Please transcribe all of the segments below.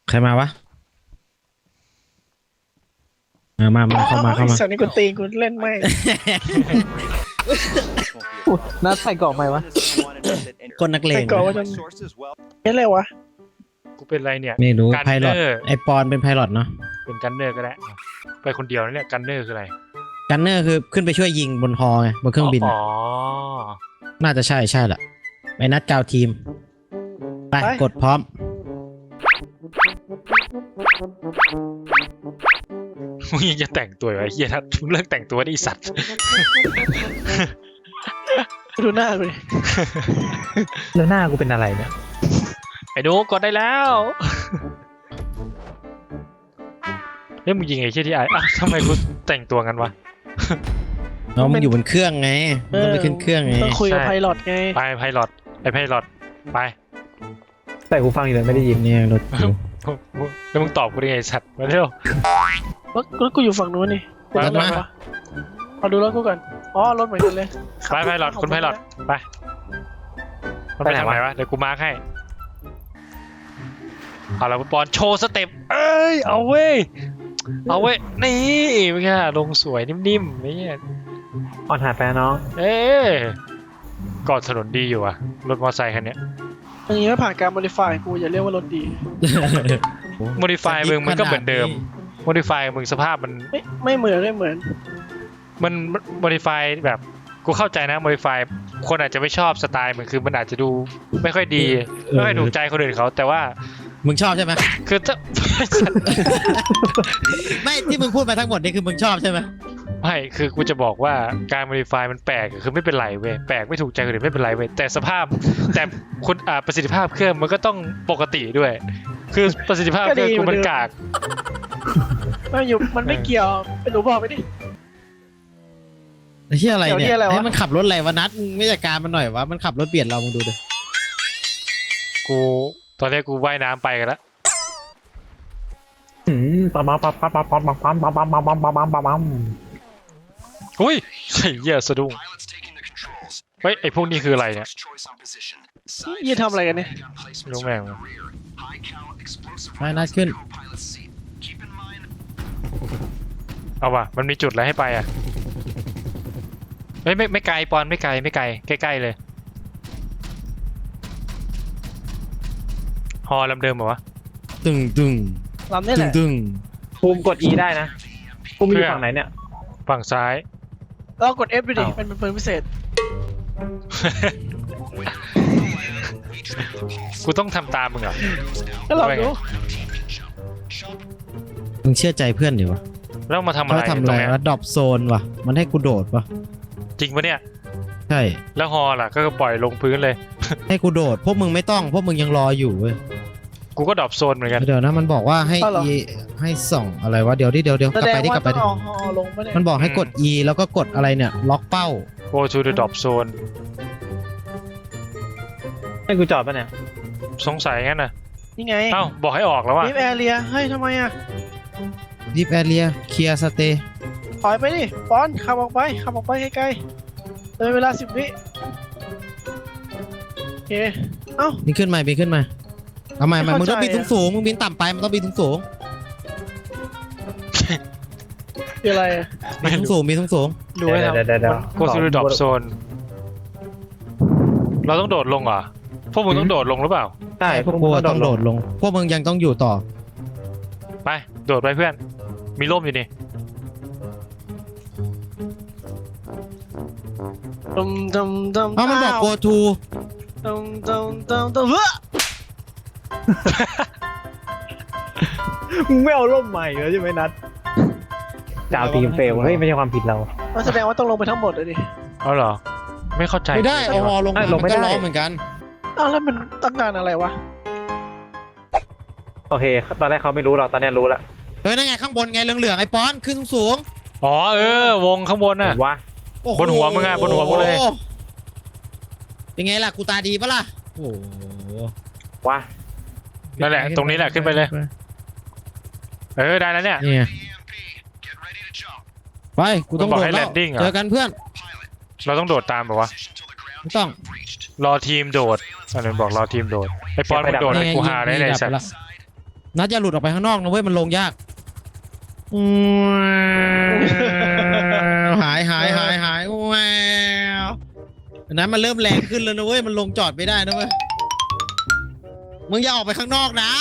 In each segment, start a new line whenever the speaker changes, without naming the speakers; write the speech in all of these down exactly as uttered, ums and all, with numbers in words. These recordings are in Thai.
ใครมาวะเออมามาเข้ามาเข้ามา
สันนี่กูตีกูเล่นไม่
นัดใส่กล่องไหมวะ
คนนักเล
ใส่
ง
ก่อนว่าจะเป็นอะไรวะ
กูเป็นไรเนี่ย
ไม่รู้
กัน
ไพลอต
เนอร์
ไอปอนเป็นไพลอตเนาะ
เป็นกันเนอร์ก็ได้ไปคนเดียวนะเนี่ยกันเนอร์คืออะไร
กันเนอร์คือขึ้นไปช่วยยิงบนฮอไงบนเครื่องบิน
อ๋อ
น่าจะใช่ใช่แหละไปนัดกาวทีมไปกดพร้อม
มึงยังจะแต่งตัวไอ้เหี้ยนะมึงเลิกแต่งตัวดิสัตว์
ดูหน้ากูดิ
แล้วหน้ากูเป็นอะไรเนี่ย
ไอ้หนูกดได้แล้วเฮ้ยมึงยิงไอ้เชี่ยที่ไอ้อ่ะทำไมกูแต่งตัวกันวะ
น้องมันอยู่บนเครื่องไงมันต้องไปขึ้นเครื่องไง
ต้องคุยกับ
ใช่
ไพลอตไง
ไปไพลอตไอ้ไพลอตไป
ใส่หูฟังอยู่เลยไม่ได้ยิน
เนี่ยรถอยู่
แล้วมึงตอบกูได้ไงสัตว์มาเร็ว
รถรถกูอยู่ฝั่งนู้นนี่กู
ไป
รถอะไร
ไป
วะเอาดูรถกูก่อนอ๋อรถเหมือนกันเลย
ไปไพลอตคุณไพลอตไปมันไปทางไหนวะเดี๋ยวกูมาร์คให้เอาละคุณปอนโชว์สเต็ปเอ้ยเอาเว้ยเอาเว้ยนี่เป็นไงลงสวยนิ่มๆนี่
อ่อนหาแฟนน้อง
เอ๊ะกอดถนนดีอยู่อะรถมอเตอร์ไซค์คันเนี้ย
อย่างนี้ไม่ผ่านการโมดิฟายกูอย่าเรียกว่ารถดี
โมดิฟายมึงมันก็เหมือนเดิมโมดิฟายมึงสภาพมัน
ไม่ไม่เหมือนไม่เหมือน
มันโมดิฟายแบบกูเข้าใจนะโมดิฟายคนอาจจะไม่ชอบสไตล์มันคือมันอาจจะดูไม่ค่อยดีไม่ค่อยถูกใจคนอื่นเขาแต่ว่า
มึงชอบใช่ไหม
คือถ้า
ไม่ที่มึงพูดมาทั้งหมดนี่คือมึงชอบใช่ไหม
ไม่คือกูจะบอกว่าการโมดิฟายมันแปลกคือไม่เป็นไรเว้ยแปลกไม่ถูกใจคนอื่นไม่เป็นไรเว้ยแต่สภาพแต่คุณอ่าประสิทธิภาพเครื่องมันก็ต้องปกติด้วย คือประสิทธิภาพเครื่องกูมันกาก
ไม่อยู่มันไม่เกี่ยวเป็นหนูบอกไปดิ
ไอ้เหี้ยอะไร
เดี๋ยวนี่
เนี่ย
อะไรวะ
ให้มันขับรถอะไรวะนัดมึงไม่จัดการมันหน่อยวะมันขับรถเบียดเรามึงดูดิ
กูตอนนี้กูว่ายน้ำไปกันแล้ว
อืมปั๊มปั๊มปั๊มปั๊มปั๊มปั๊มปั๊มปั๊มปั๊มปั๊มปั๊มปั๊มปั๊มปั๊ม
อุ้ยไอ้เหี้ยสะดุ้งเฮ้ยไอ้พวกนี้คืออะไรเนี่ย
ยี่ทำอะไรกันเนี่ย
ไม่รู้แม่ง
ไปนัดขึ้น
เอาว่ะมันมีจุดอะไรให้ไปอ่ะเฮ้ยไม่ไม่ไกลปอนไม่ไกลไม่ไกลใกล้ๆเลยฮอลำเดิมเหรอวะ
ตึงตึง
ลำนี่
ตึ
แห
ง
ละ
ตึง
ภูมิกด E ได้นะภูมิอยู่ฝั่งไหนเนี่ย
ฝั่งซ้าย
เรากด F ไปดิเป็นเป็นพิเศษ
กูต้องทำตามมึงเหรอ
ก็ลองดู
มึงเชื่อใจเพื่อนดิวะ
แล้วมาทำอะไร
เขาทำ
ต
อะ
ร
ไรง
เนี้ยว
ะดรอปโซนวะมันให้กูโดดวะ
จริงปะเนี่ย
ใช่
แล้วฮอล่ะก็ปล่อยลงพื้นเลย
ให้กูโดดพวกมึงไม่ต้องพวกมึงยังรออยู่เว้ย
กูก็ดรอปโซนเหมือนกัน
เดี๋ยวนะมันบอกว่าให้ E ให้ส่องอะไรวะเดี๋ยวดิเดี๋ยวเดี๋ยว
แส
กลับ
ด
ไป
ง
ดิ
ว่าก
ลับไป
ต้อง
ดิ
เอาฮอลงปะเนี่ย
มันบอกให้กด E แล้วก็กดอะไรเนี่ยล็อกเป้า
go to the drop zone
ให้กูจอดป่ะเนี่ย
สงสัยงั้นน่ะ
นี่ไง
เอ้าบอกให้ออกแล้วว่ะ
นิฟแอเรียเฮ้ยทำไมอ่ะ
ดิฟแอเรียเคลียร์สเตย์
ถอยไปดิปอนขับออกไปขับออกไปไกลๆเลยเวลาสิบวิโอเคเอ้า
บินขึ้นมาบินขึ้นมาเอาใหม่ใหม่
ไม่
มึง
เข้า
ต้องบิน
ใจ
สู
อะ
งสูงมึงบินต่ำไปมันต้องบินสูงสูง
คืออะไรอะ
บินสูงสูงบินสูงสูง
ดูให้ทำ
เดี๋ยวเดี๋ยวเดี๋ยว
go to the drop zone เราต้องโดดลงเหรอพวกมึงต้องโดดลงหรือเปล่า
ใช่
พวกกูต้องโดดลง พวกมึงยังต้องอยู่ต่อ
ไปโดดไปเพื่อนมีร่มอยู่นี่
ตุมตุมตุม
เพราะมันบอก go to
ตุมตุมตุมตุมเฮ้ย
มึงไม่เอาร่มใหม่เลยใช่ไหมนัดจะเอาทีมเฟลเฮ้ยไม่ใช่ความผิดเรา
มันแสดงว่าต้องลงไปทั้งหมดเลยดิ
เอาเหรอไม่เข้าใจ
ไม่ได้เอาฮอลง
ไม่
มา
ลงไม่
มันก็
ได้
ร้องเหมือนกัน
อ้าวแล้วมันตั้งนานอะไรวะ
โอเคตอนแรกเขาไม่รู้หรอกตอนนี้รู้แล้ว
เฮ้ยนั่นไงข้างบนไงเหลืองๆไอ้ป้อนขึ้นสูง
อ๋อเออวงข้างบนน่ะ
ว่า
ๆโอ้โ
บนหัวมึงอะบนหัวมึงเลย
เป็นไงล่ะกูตาดีปะล่ะโอ้โห
ว่า
นั่นแหละตรงนี้แหละขึ้นไปเลย เออได้แล้วเนี่ย
นี่ไงไปกูต้อง
มันบอก
โดด
ให้
แล้ว
landing เหรอ
เจอกันเพื่อน
เราต้องโดดตามแบบวะ
ไม่ต้อง
รอทีมโดดอันนั้นบอกรอทีมโดดไอ้ปอนมึงโดด
นี่
ไอ้
ไง
กูหาได้
ยิง
เลย
ดับ
สัต
ไป
ว์
ละนัดอย่าหลุดออกไปข้างนอกนะเว้ยมันลงยากอืมหายหายหายหายแววอันนั้นมันเริ่มแรงขึ้นแล้วนะเว้ยมันลงจอดไม่ได้นะเว้ยมึงอย่าออกไปข้างนอกนะ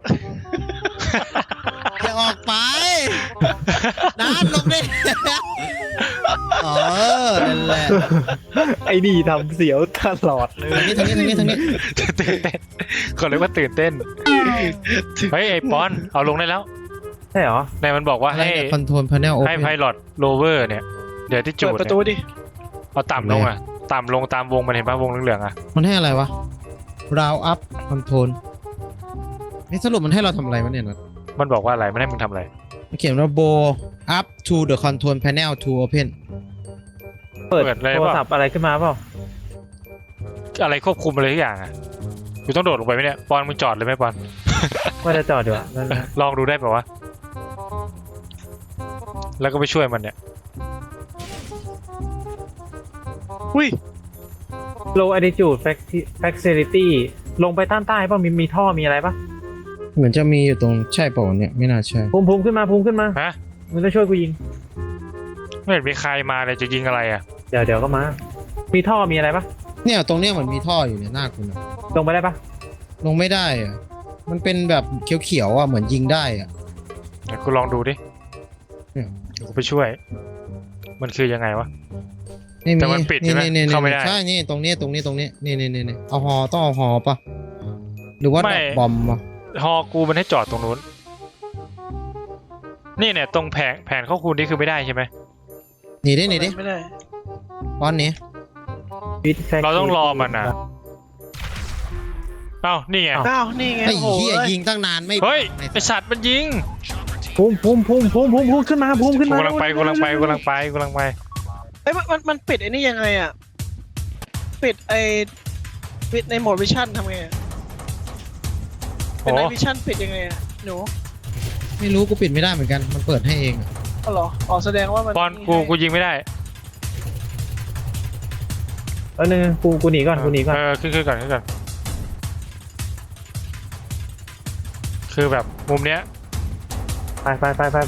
อย่าออกไปนัดลงดิเออนั่นแหละ
ไอ้นี่ทำเสียวตลอดเลย
ทางนี้ทางนี้ทางนี้ทางนี้
ตื่นเต้นเขาเรียกว่าตื่นเต้นเฮ้ยไอ้ปอนเอาลงได้แล้ว
ใช่เหรอ
นายมันบอกว่า
อะไร
ให้
เนี่ยคอนโทรลพาเนลโอ
ให้
เพ
ไพ
น
ลอตโรเวอร์เนี่ยเดี๋ยวที่จู
เปิ
ด
ดประตู
เนี่ย
ดิ
เอาต่ำลงอ่ะต่ำลงตามวงมันเห็นป่ะวงเหลืองๆอ่ะ
มันให้อะไรวะ round up control นี่สรุปมันให้เราทำอะไรวะเนี่ยนะ
มันบอกว่าอะไรมันให้มึงทำอะไร
มันเขียนว่า bow up to the control panel to open
เปิด
เปิดเลย
โทร
เปล่า
ศัพท์อะไรขึ้นมาเปล่า
อะไรควบคุมอะไรทุกอย่างอ่ะกูต้องโดดลงไปไหมเนี่ยปอนมึงจอดเลยไหมปอน
ว่าจะจอดอยู่อะนั่นแหละ
ลองดูได้ป่าวะแล้วก็ไปช่วยมันเนี่ย
อุ้ย
low altitude faci- facility ลงไปต้านใต้ป่ะมีมีท่อมีอะไรป่ะ
เหมือนจะมีอยู่ตรงใช่เปล่าวะเนี่ยไม่น่าใช่
ภูมิภูมิขึ้นมาภูมิขึ้นมา
ฮะ
มึงต้องช่วยกูยิง
ไม่เห็นมีใครมาเลยจะยิงอะไรอ่ะ
เดี๋ยวเดี๋ยวก็มา มีท่อมีอะไรป่ะ
เนี่ยตรงเนี้ยเหมือนมีท่ออยู่เนี่ยหน้าคุณอะ
ลงไปได้ป่ะ
ลงไม่ได้อะมันเป็นแบบเขียวๆอ่ะเหมือนยิงได้อ่ะ
เดี๋ยวกูลองดูดิ
เนี่ย
เดี๋ยวกูไปช่วย มันคือยังไงวะ
นี่
แต่มันปิดใช่ไหม
นี่
เข้าไม่ได้
ใช่นี่ตรงนี้ตรงนี้ตรงนี้นี่นี่นี่นี่เอาฮอต้องเอาฮอปะหรือว่า
ไม่
ดอกบอมวะ
ฮอกูมันให้จอดตรงนู้นนี่เนี่ยตรงแผงแผนข้อคูณนี่คือไม่ได้ใช่ไหม
หนีดิหนีดิ
ไม่ได้
ป้อนหนี้
With facility
เราต้องรอมันนะเอ้านี่ไง
อ้าวนี่ไง
ไอ้
โอ้โห
เหี้ย
เอ้ย
ยิงตั้งนานไม่
เฮ้ย
ไอ้
ไอสัตว์มันยิง
ภูมิภูมิภูมิภูมิภูมิภูมิขึ้นมาภูมิขึ้น
กู
มาก
ำลังไปกูกำลังไปกูกำลังไปกูกำลังไป
เอ้ยมันมันมันปิดไอ้นี่ยังไงอ่ะปิดไอ้ปิดในโหมดวิชั่นทำไงอะเป็นใน
โอ้
วิชั่นปิดยังไงอ่ะหนู
ไม่รู้กูปิดไม่ได้เหมือนกันมันเปิดให้เองอะ
อ๋อเหรออ๋อแสดงว่ามัน
ปอนกูกูยิงไม่ได้
เออหนึ่งกูกูหนีก่อนกูหนีก่อน
เออขึ้นขึ้นก่อนขึ้นก่อนคือแบบมุมเนี้ย
ไปไปไปไปไป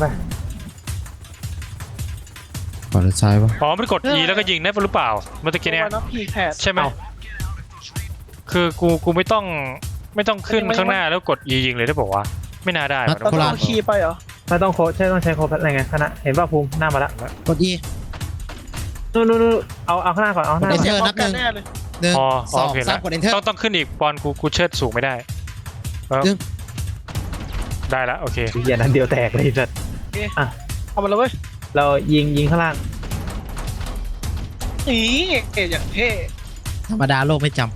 ขวาหรือซ้ายวะ
อ๋อมันกด E แล้วก็ยิงได้หรือเปล่าเมื่อตะกี้เนี้ย
วันนับพีแพด
ใช่ไหมคือกูกูไม่ต้องไม่ต้องขึ้น
ไม่
ข้างหน้าแล้วกด E ยิงเลยได้บอกว่าไม่น่าได้
นัด
วะ
เราต้องเอาคีย์ไปเหรอ
ไม่ต้องโค้ชใช่ต้องใช้โค้ชอะไรไงคณะเห็นป่ะภูมิหน้ามาละ
กด E
นู่นนู่นนู่นเอาเอาข้างหน้าก่อนเอาข้างหน้า
เอ
ก่อน
เจอร์
พร้
นั
อบ มกัน
หนึ่ง
แน่เลย
หนึ่ง
อ๋อ
สอง
โอเค
สาม
นะ
กด enter
ต้องต้องขึ้นอีกปอนกูกูเชิดสูงไม่ได้เออ
ดึง
ได้แล้วโอเค
เหี้ยนั้นเดียวแตกเลยสัตว์
เอามาเลยเว้ย
เรายิงยิงข้างล่าง
อีเก๋อย่างเท่
ธรรมดาโลกไม่จ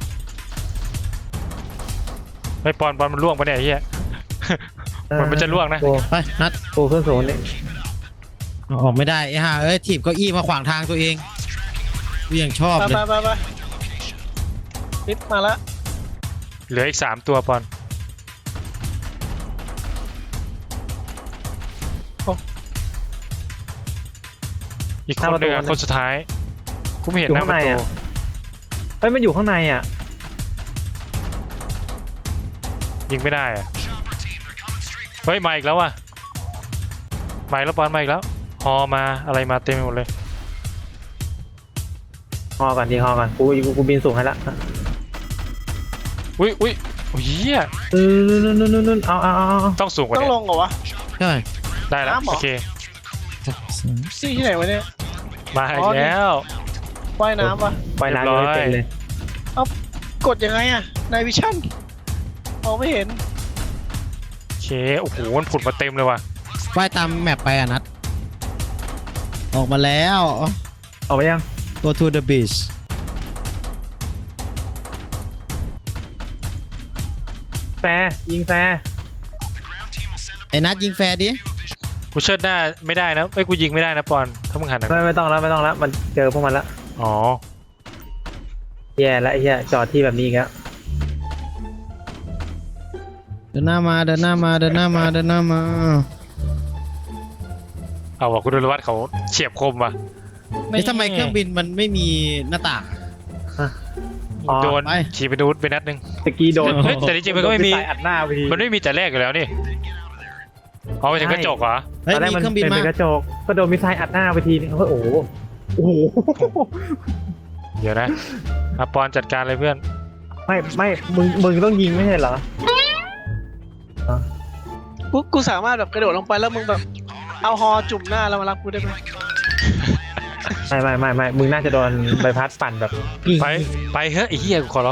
ไอ้ปอนปอนมันล่วงปะเนี่ยไอ้เฮีย มันมันจะล่วงนะ
กู
ำไปนัด
กูขึ้นสูงนี่
เอาออกไม่ได้ไอ้ห่าเอ้ยถีบเก้าอี้มาขวางทางตัวเองกูยังชอบ
ไป
เลย
ไปไปไปลิฟต์มาละ
เหลืออีกสามตัวปอนอีกคนหนึ่งอะคนสุดท้ายกูไม่เห็นหน้าประตู
เฮ้ยมันอยู่ข้างในอ่ะ
ยิงไม่ได้อะเฮ้ยมาอีกแล้วว่ะมาอีกแล้วปอนมาอีกแล้วฮอมาอะไรมาเต็มไปหมดเลย
ฮอก่อนยิงฮอก่อนกูกูกูบินสูงให้ละ
อุ้ยอุ้ยโอ้ยเหี้ย
เออนู่นนู่นนู่นนู่นเอาเอาเอาเอา
ต้องสูงกว่า
ต้อง
นี้
ลงเหรอวะ
ใช่
ได้แล้ว
น้ำเหรอ
โอเค
ที่ที่ไหนวะเนี่ย
มาอีกแล้ว
ว่ายน้ำปะ
ไปน้ำยังไม่เป็นเลย
กดยังไงอะในวิชั่นมองไม่เห็น
โอเคโอ้โหมันผุดมาเต็มเลยว่ะ
ว่ายตามแมปไปอ่ะนัดออกมาแล้ว
ออกไปยัง
go to the beach
แฟร์ยิงแฟร์
ไอ้นัดยิงแฟร์ดิ
กูเชิดหน้าไม่ได้นะเอ้ยกูยิงไม่ได้นะปอนถ้ามึงหันนะ
ไม่ไม่ต้องแล้วไม่ต้องแล้วมันเจอพวกมันละ
อ๋อ
แย่แล้วไอ้เหี้ยจอดที่แบบนี้อีกแล้ว
เดินหน้ามาเดินหน้ามาเดินหน้ามาเดินหน้ามา
เอาว่ะคุณดลวัฒน์เขาเฉียบคมว่ะ
ไอ้ยทำไมเครื่องบินมันไม่มีหน้าต่าง
ฮะอ๋อ
โดน
ไป
ขี่ไปดูดไปนัดหนึง
ตะกี้โดน
เฮ้ยแต่จริงๆมันก็ไม่มี
โดนอัดหน้าไปที
มันไม่มีแต่แรกอยู่แล้วนี่เอาไปถึงกระจกเหรอ
เฮ้ย
ตอนแร
มี
กมัน
เครื่องบิน
เป็น
มา
กระจกก็โดนมิสไซล์อัดหน้าไปทีนึงเฮ้ยโอ้โหโอ้โห
เดี๋ยวนะอาปอนจัดการเลยเพื่อน
ไม่ไม่มึงมึงต้องยิงไม่ใช่เหรอ
กูกูสามารถแบบกระโดดลงไปแล้วมึงแบบเอาฮอจุ่มหน้าแล้วมารับกูได้ไหม
ไม่ไม่ไม่ไม่มึงน่าจะโดนใบพัดปั่นแบบ
ไปไปเฮ้ยไอ้เหี้ยกูขอร้อง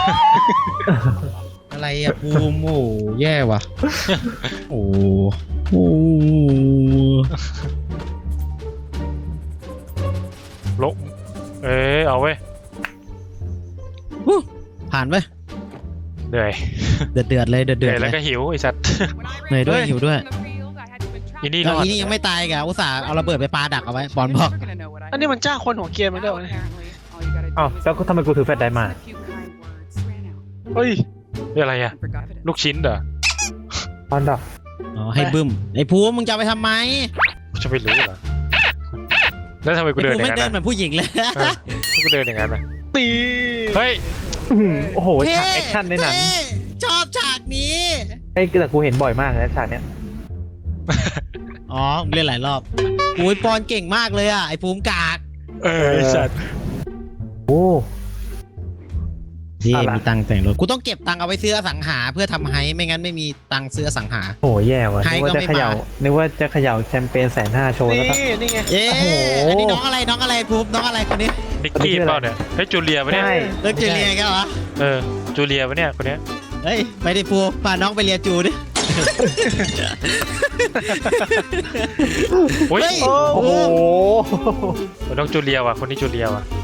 อะไรอะภูมิโอ้โหแย่ว่ะโอ้โหโอ้โห
ลงเอ้ยเอาเว้ย
ฮู้ผ่านไป
เหนื่อย
เดือดเดือดๆเลยเดือด
เห
เดื
นื่
อ
อ
ด
ย
เล
แล้ว
ย
ก็หิวไอ้สัตว์
เหนื่อยด้วยหิวด้วย
อีนี่
แล้
ร
ว
อด
อีนี่ยังไม่ตายกะอุตส่าห์เอาระเบิดไปปาดักเอาไว้บอลบอก
อันนี้มันจ้างคนหัวเกรียนมาด้วยวะเนี่ย
อ้าวแล้วทำไมกูถือแฟลชไดร์มา
เฮ้ย
นี่อะไรอะลูกชิ้นเหรอ
ตอนดับ
อ๋อให้บึ้มไอ้ภูมิมึงจะเอาไปทำไม
กูจะไปรู้เหรอแล้วทำไมกู
ไอ้
เดิน
ภู
อ
มิ
ย่า
ไม่
ง
เดิ
นั้น น
เหมือนผู้หญิงเลย
อะเออกูเดินอย่างนั้นนะ
ตี
เฮ้ย
อื้อหือโอ้โห
เท่
ฉากแอคชั่นในหนัง
เท่ชอบฉากนี้
ไอ้แต่กูเห็นบ่อยมากนะฉากเนี้ย
อ๋อมึงเล่นหลายรอบอุ้ยปอนเก่งมากเลยอ่ะไอ้ภูมิกาก
เออไอ้สัตว์
โอ้
นี่
อะไร
มีตังค์แต่งรถกูต้องเก็บตังค์เอาไว้ซื้ออสังหาเพื่อทำไฮไม่งั้นไม่มีตังค์ซื้ออสังหา
โหแย่ว่ะ
ใคร
นึกว่า
ก็
จะ
ไม่
เขย่า
มา
นึกว่าจะเขย่าแชมเปญแสนห้าโชว์แล้ว
นี่
ก็
นี่ไง
เอ๊ะ
โอ้โห
อันนี้น้องอะไรน้องอะไรภูมิน้องอะไรคนนี้
นิกกี้เปล่าเนี่ยเฮ้ยจูเลียปะเนี่ย
ใช่
เลิกจูเลียกันเหรอ
เออจูเลียปะเนี่ยคนเนี้ย
เฮ้ยไปดิภูมิพาน้องไปเรียนจูดิ
โอ้ย
เฮ้ย
โอ้โห
น้องจูเลียว่ะคนนี้จูเลียว่ะ